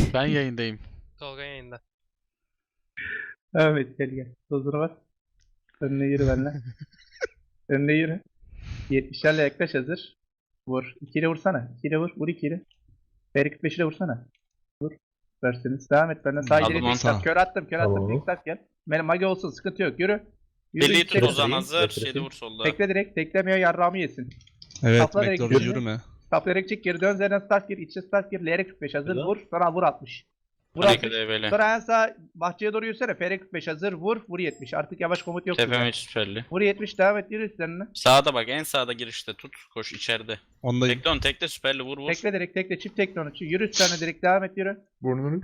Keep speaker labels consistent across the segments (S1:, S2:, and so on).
S1: Ben yayındayım.
S2: Tolga yayında.
S3: Evet gel. Huzura bas. Önüne yürü benimle. Önüne yürü. 70'lerle yaklaş hazır. Vur. 2 ile vursana. 2 ile vur. Vur 2 ile. F45 ile vursana. Vur. Versiniz. Devam et benden. Sağ
S1: Aldım
S3: ileri
S1: onu.
S3: tek kör attım. Kör attım.
S4: Tamam.
S3: Tek start gel. Benim mage olsun. Sıkıntı yok. Yürü. Yürü.
S5: Birliği
S3: içeri
S5: tut o zaman
S3: süreyim.
S5: hazır.
S4: Getireyim.
S5: 7 vur solda.
S3: Tekle direkt. Teklemiyor yarrağımı yesin.
S6: Evet,
S3: Sapla direkt
S6: McLaren
S3: yürü.
S6: yürüme.
S3: Taplayarak çık. Geri dön. Z'den start gir. İçe start gir. LR 45 hazır.
S4: Güzel.
S3: Vur. Sonra vur 60. Vur
S5: Hadi
S3: 60.
S5: böyle.
S3: Sonra en sağ bahçeye doğru yürüsene. FR 45 hazır. Vur. Vur 70. Artık yavaş komut yok.
S5: Tepeme süperli.
S3: Vur 70. Devam et. Yürü üstlerine.
S5: Sağda bak, en sağda girişte tut. Koş içeride.
S6: Ondayım.
S5: Tekle onu, tekle süperli, vur vur.
S3: Tekle direkt tekle çift tekle onu. Yürü üstlerine direkt devam et yürü.
S4: Burnunu.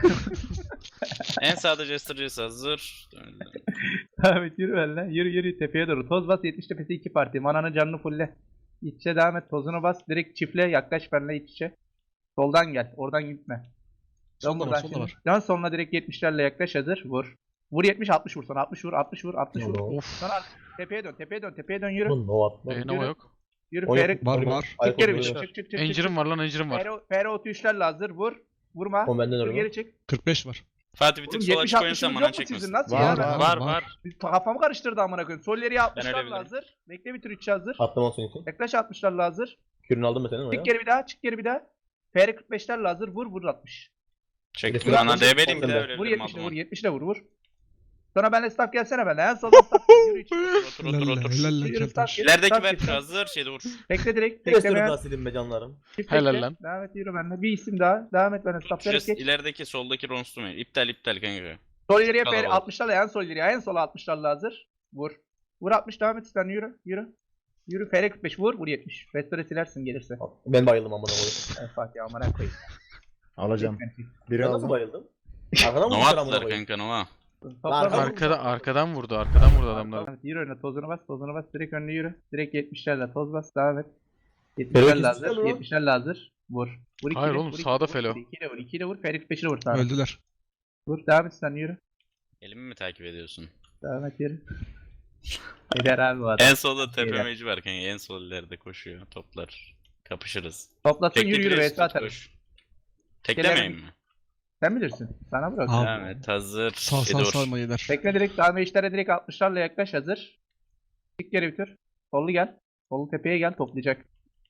S5: En sağda Jester Jesse hazır.
S3: Devam et yürü benimle. Yürü yürü tepeye doğru. Toz bas 70 tepesi 2 parti. Mananın canını fulle. İç içe devam et. Tozunu bas. Direkt çiftle yaklaş benimle iç içe. Soldan gel. Oradan gitme. Dön
S6: Solda var,
S3: buradan
S6: solda
S3: şimdi.
S6: var.
S3: Dön sonuna direkt 70'lerle yaklaş hazır. Vur. Vur 70 60 vur sonra 60 vur 60 vur 60 vur.
S4: Tamam.
S1: Of.
S3: Sonra tepeye dön tepeye dön tepeye dön yürü.
S4: Bunun o atma.
S1: Nova yok.
S3: Yürü
S4: O
S3: FR.
S4: yok.
S6: Var var.
S3: Çık geri bir
S4: Aykut
S3: çık çık çık.
S1: Engine'im var lan, engine'im var.
S3: FR 33'lerle hazır. Vur. Vurma.
S4: O benden
S3: Dur
S4: öyle.
S3: geri çık.
S6: 45 var.
S5: Fatih bir
S3: Oğlum
S5: tık sola
S3: 70
S5: çık
S3: 60
S5: oyun sen,
S3: yok
S5: bana
S3: mu sizin?
S5: çekmesin.
S3: Nasıl
S6: Var,
S3: ya?
S6: var.
S5: Var var.
S3: Kafamı karıştırdı amına koyayım. Sol ileriye 60'larla
S5: ölebilirim.
S3: hazır. Bekle bir tür 3 hazır.
S4: Atlama olsun için.
S3: Yaklaş 60'larla hazır.
S4: Kürünü aldın mı senin oraya?
S3: Çık geri bir daha, çık geri bir daha. FR 45'lerle hazır. Vur vur 60.
S5: Çektim
S4: Vur
S5: bana,
S4: 60,
S5: DB'liyim bir
S4: vur
S5: daha
S4: 60.
S5: öyle
S3: Vur
S5: dedim
S3: 70'le vur,
S5: adamı.
S3: 70'le vur vur. Sonra benle staff gelsene benle. En soldan staff gel. Yürü içeri.
S5: Otur otur otur.
S6: Helalle
S3: Yürü
S6: keltoş.
S3: staff gel.
S5: İlerideki
S3: staff
S5: ver
S3: gel.
S5: hazır, şeyde vur.
S3: Bekle direkt.
S4: Bir de sürü
S3: Beklemeyen.
S4: daha silin be canlarım.
S3: Çift
S1: Helal
S3: bekle.
S1: lan.
S3: Devam et yürü benle. Bir isim daha. Devam et benle. Staff direkt
S5: Şurası
S3: geç.
S5: ilerideki soldaki Ronstum. İptal kanka.
S3: Sol ileriye FR
S5: Kalabalık.
S3: 60'larla en sol ileriye. En sola 60'larla hazır. Vur. Vur 60 devam et sen yürü. Yürü. Yürü FR 45 vur. Vur 70. Restore silersin gelirse.
S4: Ben bayıldım amına koyayım.
S3: En Fatih amına koyayım.
S7: Alacağım. Biri
S4: Ben nasıl
S7: aldım.
S4: bayıldım? Arkadan mı
S5: Nova
S4: vurdular amına
S5: attılar
S4: koyayım?
S5: kanka, Nova.
S3: Toplam
S1: Arkadan vurdu, arkadan vurdu adamlar.
S3: Evet, yürü önüne tozunu bas, tozunu bas, direkt önüne yürü. Direkt 70'lerle toz bas, devam et.
S4: Fero
S3: 70'lerle hazır,
S4: ikisi de mi?
S3: 70'lerle hazır. Vur. Vur iki
S1: Hayır
S3: ile,
S1: oğlum,
S3: vur iki
S1: sağda
S3: ile,
S1: Felo.
S3: Vur 2 ile vur, 2 ile vur, Ferik 5 ile vur sana.
S6: Öldüler.
S3: Vur, devam et sen yürü.
S5: Elimi mi takip ediyorsun?
S3: Devam et yürü. Gider abi bu adam.
S5: En solda tepe
S3: Beyler.
S5: meci var kanka, en sol ileride koşuyor. Toplar. Kapışırız.
S3: Toplasın
S5: Tekli
S3: yürü yürü
S5: pres
S3: vs
S5: tut,
S3: atarız.
S5: koş. Teklemeyeyim mi?
S3: Sen bilirsin. Sana bırak.
S6: Al.
S5: Devam et, hazır.
S6: Sağ
S5: Şeyde
S6: sağ
S5: vur.
S6: sağ mayeler.
S3: Tekne direkt, devam işlere direkt 60'larla yaklaş hazır. Çık geri bitir. Sollu gel. Sollu tepeye gel toplayacak.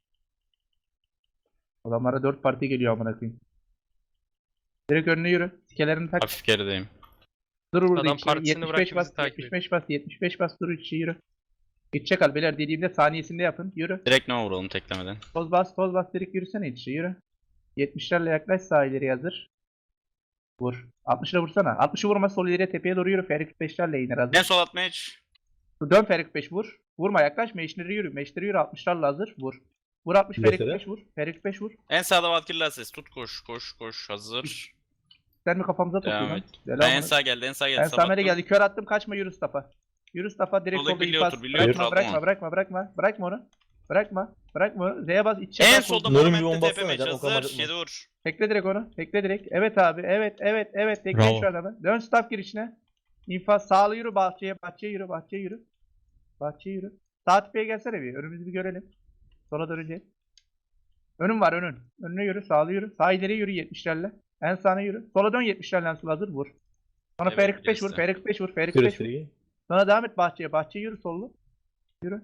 S3: Adamlara 4 parti geliyor amına koyayım. Direkt önüne yürü. Sikelerini tak.
S5: Hafif gerideyim.
S3: Dur burada
S2: Adam
S3: içi.
S2: partisini
S3: 75
S2: bıraktı,
S3: bas,
S2: bizi takip
S3: 75 bas, 75 bas, dur içi yürü. İçe kal beyler dediğimde saniyesinde yapın. Yürü.
S5: Direkt Nova vuralım teklemeden.
S3: Toz bas direkt yürüsene içi yürü. 70'lerle yaklaş sağ ileri hazır. Vur. 60'la vursana. 60'ı vurma sol ileriye tepeye doğru yürü. Ferik 45'lerle iner hazır.
S5: En sol atmaya hiç.
S3: Dön Ferik 5 vur. Vurma yaklaş. Meşleri yürü. Meşleri yürü 60'larla hazır. Vur. Vur 60 Ferik
S4: Mesela?
S3: 5 vur. Ferik 5 vur.
S5: En sağda Valkyrie ses. Tut koş koş koş. Hazır.
S3: Sen mi kafamıza
S5: Devam
S3: tutuyorsun?
S5: et.
S3: Selam
S5: Ben en
S3: aleyküm.
S5: sağ geldi, en sağ geldi.
S3: Ben Samer'e
S5: Sabahtım.
S3: geldi. Kör attım. Kaçma yürü Stafa. Yürü Stafa direkt
S5: Soldaki
S3: solda
S5: biliyor,
S3: infaz.
S5: otur, biliyor, otur,
S3: Bırakma
S5: aldım
S3: bırakma onu. Bırakma onu. Z'ye bas içe
S5: En
S3: bas,
S5: solda
S3: vur.
S4: Nuri bir
S5: Monument'te
S4: bomba
S5: tepe
S4: atsana
S5: meç
S4: canım, o kadar
S5: hazır.
S4: acıtma.
S5: Şeyde vur.
S3: Tekle direkt onu. Tekle direkt. Evet abi. Evet. Tekle
S6: Bravo.
S3: şu adamı. Dön staff girişine. İnfaz sağlı yürü bahçeye yürü. Bahçeye yürü. Sağ tepeye gelsene bir. Önümüzü bir görelim. Sola döneceğiz. Önün var önün. Önüne yürü. Sağlı yürü. Sağ ileri yürü 70'lerle. En sağına yürü. Sola dön 70'lerle en sola hazır vur. Sonra
S5: Evet,
S3: Ferik 5 vur.
S5: gerisi.
S3: Ferik 5 vur. Ferik
S4: Sürü
S3: 5 vur.
S4: sürü.
S3: Sonra devam et bahçeye. Bahçeye yürü sollu. Yürü.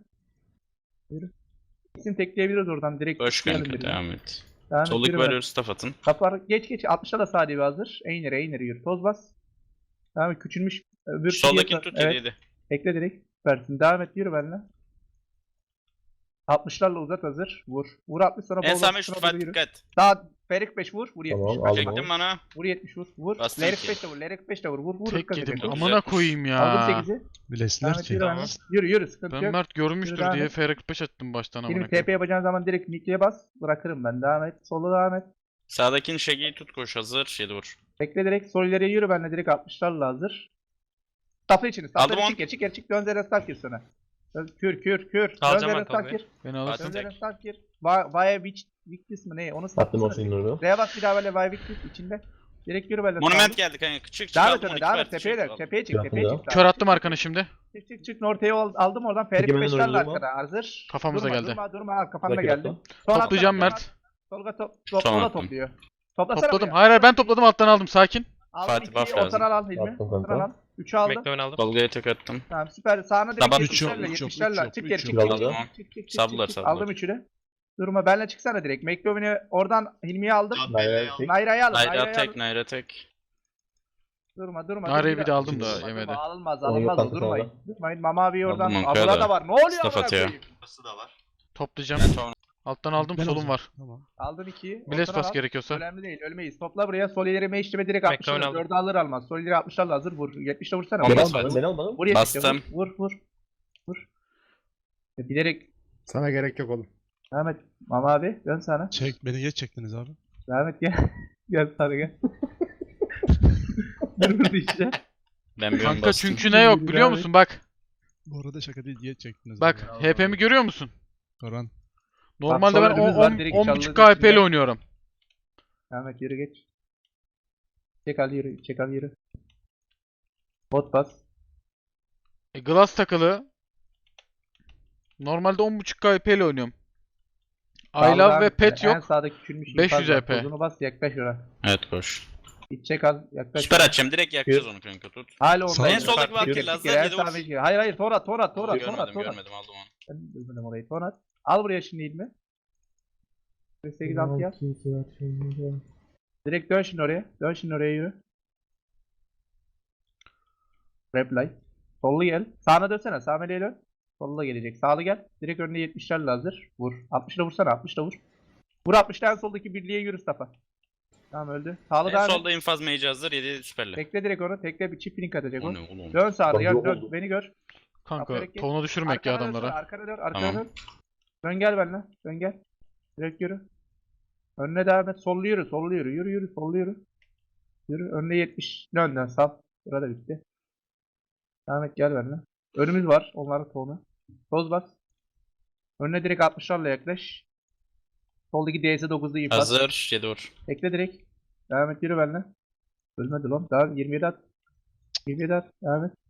S3: İsim tekleyebiliriz oradan. Direkt
S5: Koş
S3: tıklayalım
S5: kanka,
S3: birine.
S5: devam et.
S3: Devam et,
S5: Soldaki
S3: yürü
S5: varıyor, staff atın.
S3: Kaplar geç 60'a da sağ dibi hazır. Eğnere yürü. Toz bas. Tamam küçülmüş. Öbür
S5: Soldakini tut,
S3: Evet.
S5: 7-7.
S3: Ekle direkt. Versin. Devam et yürü benimle. 60'larla uzat hazır. Vur. Vur 60 sonra
S5: En
S3: bol
S5: sağ
S3: bas,
S5: meç
S3: sonra
S5: Fatih
S3: doğru yürü.
S5: dikkat.
S3: Sağ Ferik 5 vur. Vur 70.
S4: Tamam,
S3: Bak,
S4: aldım.
S5: Çektim bana.
S3: Vur 70 vur. Vur.
S5: Bastım
S3: Lerik
S5: ki.
S3: 5 de vur. Lerik 5 de vur. Vur. Vur.
S1: Tek
S3: Dikkat
S1: yedim.
S3: edin.
S5: Çok
S1: Amına
S5: güzel.
S1: koyayım
S3: Aldım
S1: ya.
S3: 8'i.
S6: Bilesler
S3: Devam et
S6: ki.
S3: yürü
S5: Tamam.
S3: benimle. Yürü sıkıntı
S1: Ben
S3: yok.
S1: Mert görmüştür
S3: Devam
S1: diye
S3: et.
S1: FR45 attım baştan amına
S3: Şimdi
S1: koyayım.
S3: TP yapacağın zaman direkt Nick'e bas. Bırakırım ben. Devam et. Sola devam et.
S5: Sağdakini şegeyi tut koş hazır. 7 vur.
S3: Bekle direkt. Sol ileriye yürü benimle. Direkt 60'larla hazır. Stafla içini.
S5: Aldım
S3: Stafla
S5: on.
S3: çık geri çık. Dön zeren staff gir sana. Kür. Dön
S2: Alacağım
S3: zeren
S2: ben
S3: staff
S2: Tolga'yı.
S3: gir.
S1: Beni
S3: Dön
S1: alırsın.
S5: Fatih.
S3: zeren staff gir. Vaya Victis mi ne? Onu
S4: Attım
S3: staff.
S4: olsun Nuri.
S3: Z'ye bas bir daha böyle Vaya Victis içinde. Direkt yürü böyle.
S5: Monument geldi kanka. Çık
S3: Devam et
S5: aldım
S3: öne.
S5: 12
S3: Devam et.
S5: parti,
S3: Tepeye
S5: çık,
S3: de.
S5: aldım.
S3: Tepeye çık.
S4: Yaptım
S3: Tepeye
S4: ya.
S3: çık.
S1: Kör attım arkana şimdi.
S3: Çık. Ortaya aldım oradan. Ferik
S4: Peki,
S3: 5'lerle
S4: benim önüm
S3: arkada. Hazır.
S1: Kafamıza geldi.
S3: Durma. Kafanda
S4: Rakip
S3: geldi.
S4: attım.
S3: Sol
S1: Toplayacağım
S3: atla,
S1: Mert.
S3: Tolga
S5: Son
S3: sola
S5: attım.
S3: topluyor. Toplasana
S1: Topladım.
S3: buraya.
S1: Hayır hayır ben topladım alttan aldım. Sakin.
S3: Aldım
S5: Fatih,
S3: ikiyi,
S5: buff lazım.
S3: ortadan al Hilmi.
S4: Attım
S3: Ortadan
S4: kanka.
S3: al. 3'ü aldım.
S2: Bekle ben aldım.
S5: Tolga'ya tek attım.
S3: Tamam süper. Sağına direkt
S5: Tamam.
S3: 70'lerle
S2: Üç yok,
S3: 70'lerle. Çık geri
S2: üç
S3: çık.
S2: yok.
S3: Çık,
S4: Aldım.
S3: çık, çık,
S5: Sablar,
S3: çık.
S5: sablar.
S3: Aldım 3'ü de. Durma benle çıksana direkt. McLovin'i oradan Hilmi'ye aldım.
S4: Nayra'yı tek.
S3: Nayra'yı alın.
S5: Naira
S3: Nayra'yı
S5: tek,
S3: alın.
S5: Naira tek.
S3: Durma durma.
S1: Nareyi
S3: durma.
S1: bir de aldım da
S3: Durma,
S1: yemedi.
S3: durma. Alınmaz
S4: Onu yok
S3: alınmaz.
S4: kanka
S3: Durmayın.
S4: sonra.
S3: Durmayın. Mama abi oradan.
S5: Aldım
S3: Abla
S5: Ankara
S3: da var. Ne oluyor
S5: Staff
S3: amına
S5: atıyor.
S3: koyayım?
S1: Toplayacağım.
S5: Ben sonra
S1: Alttan aldım.
S2: Ben
S1: Solum
S2: alacağım.
S1: var.
S2: Tamam.
S3: Aldın 2'yi.
S1: Blast bas gerekiyorsa.
S3: Önemli değil. Ölmeyiz. Topla buraya. Sol ileri meşleme direkt
S2: Bekle,
S3: 60'lar.
S2: oynadım.
S3: 4'ü alır almaz. Sol ileri 60'larla hazır. Vur. 70'le vursana.
S5: Olmaz,
S4: Beni
S3: Vur.
S5: hadi.
S4: almadın, beni almadın.
S3: Vur 70'le.
S5: Bastım.
S3: Vur. Vur. Vur. Bilerek.
S7: Sana gerek yok oğlum.
S3: Ahmet. Mama abi. Dön sana.
S2: Beni geç çektiniz abi.
S3: Ahmet gel. Gel sana gel. Dur işte.
S5: ben bir ön
S1: Kanka
S5: bastım.
S1: çünkü ne yok biliyor
S3: Abi.
S1: musun? Bak.
S2: Bu arada şaka değil geç çektiniz
S1: Bak
S2: abi.
S1: HP'mi görüyor musun?
S2: Karan.
S1: Normalde ben
S3: önümüz var, direkt
S1: 10.5
S3: çalıların
S1: KP ile
S3: içinde.
S1: oynuyorum.
S3: Ahmet yürü geç. Çek al yürü. Çek al yürü. Bot bas.
S1: Glass takılı. Normalde 10.5 KP ile oynuyorum. I
S3: Sağlı
S1: love
S3: devam
S1: ve
S3: et.
S1: pet
S3: En
S1: yok.
S3: sağdaki küçülmüş
S1: 500
S3: infaz var.
S1: EP.
S3: Tozunu bas yaklaş ona.
S5: Evet koş.
S3: İç çek al yaklaş.
S5: Süper açacağım. Direkt yakacağız onu kanka tut.
S3: Hala orada.
S2: Sağ-
S5: En soldaki var
S3: Yürü,
S5: ki
S3: yürü,
S5: Lazlar
S3: en
S5: yedi
S3: sağ
S5: vur.
S3: meşgul. Hayır hayır Torat.
S5: Görmedim
S3: Torat.
S5: görmedim aldım onu.
S3: Ben bilmedim orayı Torat. Al buraya şimdi ilmi. 8 6 yap. Direkt dön şimdi oraya. Dön şimdi oraya yürü. Reply. Sollu gel. Sağına dönsene. Sağ meleğe dön. Sollu gelecek. Sağlı gel. Direkt önüne 70'lerle hazır. Vur. 60'la vursana. 60'la vur. Vur 60'la en soldaki birliğe yürü Mustafa. Tamam öldü. Sağlı
S5: En
S3: devam et.
S5: solda infaz mage hazır 7 süperli.
S3: Tekle direkt onu. Tekle bir çift link atacak
S5: O
S3: o.
S5: ne oğlum?
S3: Dön sağa.
S4: Bak,
S3: Dön,
S4: yok
S3: dön.
S4: oldu.
S3: Beni gör.
S1: Kanka
S3: Aferin ki.
S1: tonu düşürmek ya
S3: Arkana dön,
S1: adamlara.
S3: Arkana dön. Arkana
S5: Tamam.
S3: dön. Dön gel benimle. Dön gel. Direkt yürü. Önüne devam et. Sollu yürü. Sollu yürü. Yürü yürü. Sollu yürü. Yürü. Önüne 70. Önden sal. Burada bitti. Devam et gel benimle. Önümüz var. Onların tonu. Toz bas. Önüne direkt 60'larla yaklaş. Soldaki DS9'da infaz.
S5: Hazır 7 vur.
S3: Tekle direkt. Devam et yürü benimle. Ölmedi lan. Devam 27 at. 27 at. Devam et.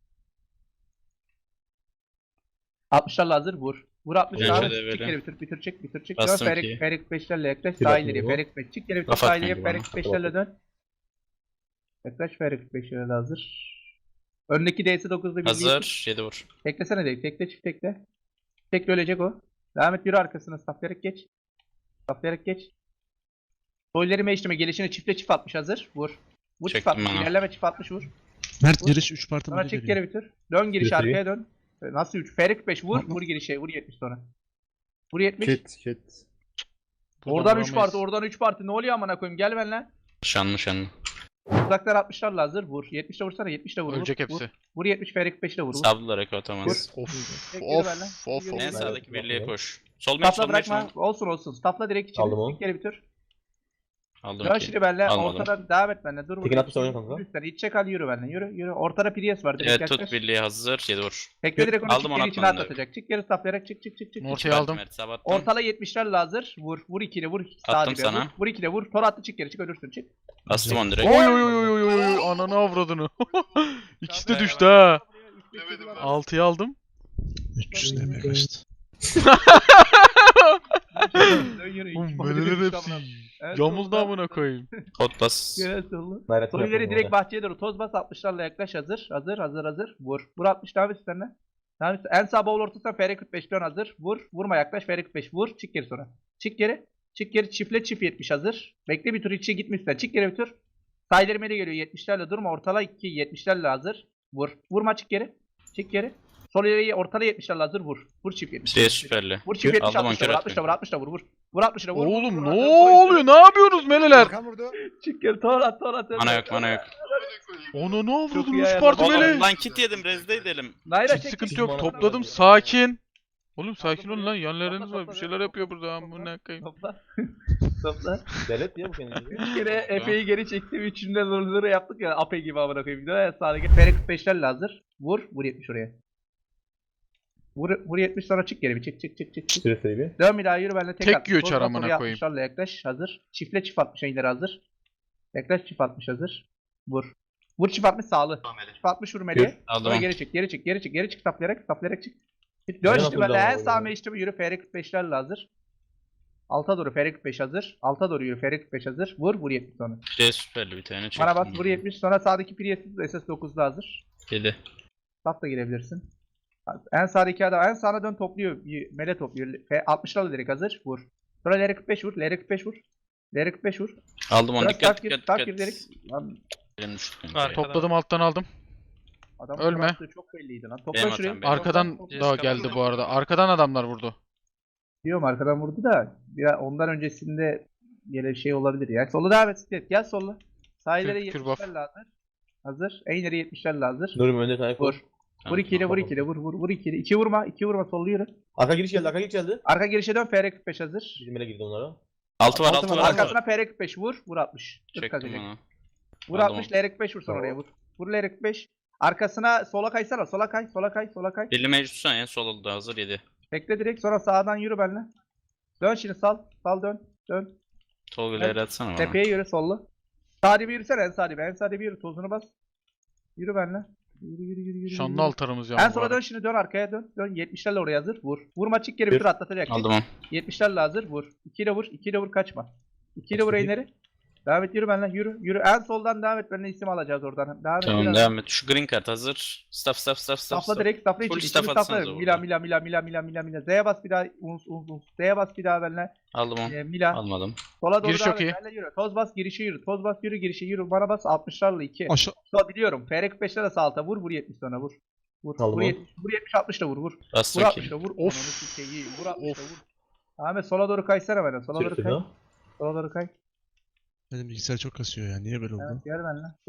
S3: 60'larla hazır vur. Vur 60
S5: Bence
S3: devam et.
S5: de
S3: Çık
S5: böyle.
S3: geri bitir çık bitir çık.
S5: Bastım
S3: Dön
S5: ikiyi.
S3: Ferik 5'lerle yaklaş.
S4: Bir
S3: Sağ
S4: dakika
S3: ileriye
S4: bu.
S3: Ferik 5. Çık geri bitir
S5: Laf
S3: sağ
S5: atmayın
S3: ileriye
S5: bana.
S3: Ferik 5'lerle dön. Yaklaş Ferik 5'lerle hazır. Öndeki DS9'da bir
S5: Hazır 7 vur.
S3: Teklesene değil. Tekle çift tekle. Tekle ölecek o. Devam et yürü arkasına. Stafflayarak geç. Stafflayarak geç. Soyları meşleme gelişine çiftle çift atmış hazır. Vur. Vur çift
S5: Çektim
S3: atmış.
S5: ben.
S3: İlerleme çift atmış vur.
S2: Mert
S3: Vur.
S2: giriş 3 parti
S3: Sonra
S2: böyle
S3: çık
S2: veriyor.
S3: geri bitir. Dön giriş
S4: Bitireyim.
S3: arkaya dön. Nasıl 3? Ferik 5 vur.
S2: Hı.
S3: Vur girişe. Vur 70 sonra. Vur 70.
S7: Kit.
S1: Buradan
S3: Oradan 3
S1: vuramayız.
S3: parti. Oradan 3 parti. Ne oluyor amına koyayım? Gel benimle.
S5: Şanlı şanlı.
S3: Uzaklar 60'larla hazır. Vur. 70'le vursana. 70'le vur.
S1: Ölecek
S3: vur.
S1: hepsi.
S3: Vur 70 Ferik 5'le vur. Vur.
S5: Sablılar eko atamaz.
S1: Of
S3: Tek
S1: of
S3: yürü benimle.
S1: of
S3: Yürü,
S1: of.
S5: En
S3: yürü.
S5: sağdaki birliğe koş. Sol meç
S3: Staffla
S5: sol meç
S3: bırakma. Olsun olsun. Staffla direkt içeri.
S4: Aldım onu.
S3: Çık geri bitir.
S5: Aldım
S3: Dön
S5: ki.
S3: şimdi benimle.
S5: Almadım.
S3: Ortadan devam et benimle. Dur.
S4: Tekin atmış oynuyor kanka.
S3: Üstten iç çek al yürü benimle. Yürü yürü. Ortada Prius var. Direkt
S5: Evet
S3: yaklaş.
S5: tut birliğe hazır 7 vur.
S3: Tekle direkt onu
S5: Aldım,
S3: çık
S5: onu
S3: geri içine
S5: atmadım
S3: atlatacak. Çık geri stafflayarak çık çık çık çık.
S1: Ortaya
S5: Mert,
S1: aldım.
S5: Mert, sabattım.
S3: Ortala 70'lerle hazır. Vur. Vur ikili vur. Sağ
S5: Attım
S3: dibe
S5: sana.
S3: Vur. Vur ikili vur. Tor attı çık geri çık ölürsün çık.
S5: Bastım onu direkt.
S1: Oy oy oy oy oy oy ananı avradını. İkisi de düştü ha. 6'yı aldım.
S2: 300 demeye kaçtı.
S1: Oğlum böyleler hepsi yamuldu amına koyayım.
S5: Kod bas.
S3: Gel solu.
S4: Nayra'yı
S3: Sol ileri
S4: yapalım
S3: direkt
S4: orada.
S3: bahçeye doğru toz bas 60'larla yaklaş hazır. Hazır. Vur. Vur 60 devam et üstlerine. Devam et. En sağ bowl ortasına FR 45 dön hazır. Vur. Vurma yaklaş FR 45 vur. Çık geri sonra. Çık geri. Çık geri çiftle çift 70 hazır. Bekle bir tur içe gitme üstten. Çık geri bir tur. Sağ ileri geliyor 70'lerle durma. Ortala 2 70'lerle hazır. Vur. Vurma çık geri. Çık geri. Sol ileriye ortala 70'lerle hazır vur. Vur çift 70.
S5: Birliğe süperli.
S3: Vur çift 70
S5: Aldım,
S3: 60'la vur.
S5: ankör
S3: 60'la vur. 60'la vur. Vur 60'la vur.
S1: Oğlum
S3: vur,
S1: ne
S3: vur, vur,
S1: oluyor? Ne yapıyorsunuz meleler?
S7: Arkan vurdu.
S3: Çık geri. Tor at.
S5: Mana yok mana yok.
S1: Onu ne
S3: Çok
S1: avradın?
S3: iyi
S1: 3
S3: ayarladı.
S1: parti
S5: Oğlum
S1: mele.
S5: lan kit yedim rezde edelim.
S3: Nayra
S1: Hiç
S3: çek.
S1: sıkıntı
S3: çek.
S1: yok.
S4: Bana
S1: Topladım.
S4: bak.
S1: Sakin. Oğlum sakin olun lan.
S3: Topla,
S1: Yanlarınız var.
S3: topla,
S1: Bir şeyler
S3: topla,
S1: yapıyor burada.
S3: topla.
S1: Amına koyayım.
S3: Topla. Topla.
S4: Devlet diye bu kendini.
S3: 3 kere Efe'yi geri çektim. Üçünde zor yaptık ya. Ape gibi amına koyayım. Dön sağdaki. Ferik 45'lerle hazır. Vur. Vur 70 oraya. Vur 70 sonra çık geri bir. Çık.
S4: Süresi bir.
S3: Dön bir daha yürü benimle tek
S1: Tek
S3: at.
S1: yiyor
S3: Sol
S1: çar
S3: bas,
S1: amına
S3: oraya
S1: koyayım.
S3: 60'larla yaklaş. Hazır. Çiftle çift 60'a ileri hazır. Yaklaş çift 60 hazır. Vur. Vur çift 60 sağlı. Çift 60 vur meleğe.
S5: Aldım
S3: Sonra
S5: onu.
S3: geri çık. Saplayarak çık. Dön
S4: Nereye
S3: işte
S4: atıldı
S3: böyle
S4: ama
S3: en
S4: bu
S3: sağ
S4: ya?
S3: meştemi yürü. FR 45'lerle hazır. Alta doğru Ferik 5 hazır. Alta doğru yürü Ferik 5 hazır. Vur 70 sonra.
S5: P süperli bir tane çektim.
S3: Bana bas vur 70 sonra sağdaki Priest'siz SS9'da hazır.
S5: 7.
S3: Saf da girebilirsin. En sağdaki adam en sağına dön topluyor. Mele topluyor. 60 lira direkt hazır. Vur. Sonra LR45 vur. LR45 vur. LR45 vur.
S5: Aldım onu,
S3: Sonra
S5: dikkat
S3: saf gir,
S5: dikkat
S3: saf
S5: dikkat.
S3: gir direkt. Lan
S5: Elim düştü benim.
S6: Var.
S1: Topladım alttan aldım.
S3: adam
S1: Ölme.
S3: bıraktığı çok belliydi lan. Topla
S5: Benim
S3: şuraya.
S5: hatam, benim.
S1: Arkadan
S3: Topla.
S1: da geldi bu arada. Arkadan adamlar vurdu.
S3: Diyorum arkadan vurdu da ya ondan öncesinde yine şey olabilir ya. Solu devam et. Siklet. Gel solla. Sağ ileri
S1: Kür buff.
S3: 70'lerle hazır. Hazır. En ileri 70'lerle hazır.
S4: Nurum önde tane
S3: Vur.
S4: koş.
S3: Vur 2 ile vur 2 ile vur vur vur 2 ile. 2 vurma. 2 vurma sollu yürü.
S4: Arka giriş geldi, arka giriş geldi.
S3: Arka girişe dön. FR45 hazır.
S4: Bizim ele girdi onlara.
S5: Altı var,
S3: Altı
S5: altı
S3: var.
S5: var. altı var.
S3: Arkasına FR45 vur. Vur 60. Tık
S5: Çektim
S3: kazacak.
S5: onu.
S3: Vur
S5: Aldım
S3: 60 LR45 vur sonra oraya vur. Vur LR45. Arkasına sola kaysana. Sola kay. Sola kay. Sola kay.
S5: Birli meclis tutsana, en sol oldu hazır 7.
S3: Bekle direkt. Sonra sağdan yürü benimle. Dön şimdi sal. Sal dön. Dön.
S5: Tolga'yı atsana bana.
S3: Tepeye yürü sollu. Sağ dibi yürüsene en sağ dibi. En sağ dibi yürü. Tozunu bas. Yürü benimle. Yürü yürü yürü yürü.
S1: Şanlı
S3: yürü.
S1: altarımız
S3: En
S1: yani bu
S3: sola
S1: arada.
S3: dön şimdi dön arkaya dön. Dön 70'lerle oraya hazır. Vur. Vurma çık geri bir tur atlatacak.
S5: Aldım onu.
S3: 70'lerle hazır. Vur. 2 ile vur. 2 ile vur kaçma. 2 ile vur
S4: Kaçtı
S3: ileri. Devam et yürü benimle. Yürü. Yürü. En soldan devam et. Benimle isim alacağız oradan. Devam et.
S5: Tamam
S3: yürü.
S5: devam et. Şu green card hazır. Staff.
S3: Stafla direkt stafla
S5: Full
S3: için.
S5: staff
S3: İçini
S5: atsanıza
S3: stafla.
S5: burada.
S3: Mila. Z'ye bas bir daha. Uns. Z'ye bas bir daha benimle.
S5: Aldım onu.
S3: Mila.
S5: Almadım.
S3: Sola doğru
S1: Giriş
S3: devam
S1: çok iyi.
S3: et. Benimle yürü. Toz bas girişe yürü. Toz bas yürü girişe yürü. Bana bas 60'larla 2.
S2: Aşağı.
S3: Sol biliyorum. FR45'lerle sağ alta. Vur 70 sonra vur. Vur.
S4: Aldım
S3: Vur
S4: onu.
S3: 70. Vur 70 60 da vur. Vur.
S5: Bastı
S3: Vur
S5: ki.
S3: 60 da vur.
S1: Of.
S3: Onu sikeyim. Vur 60 da vur. Ahmet sola doğru kaysana bana. Sola doğru
S4: Sürtün
S3: kay.
S4: ha.
S3: Sola doğru kay.
S2: Benim bilgisayar çok kasıyor ya. Niye böyle oldu?
S3: Evet gel benimle.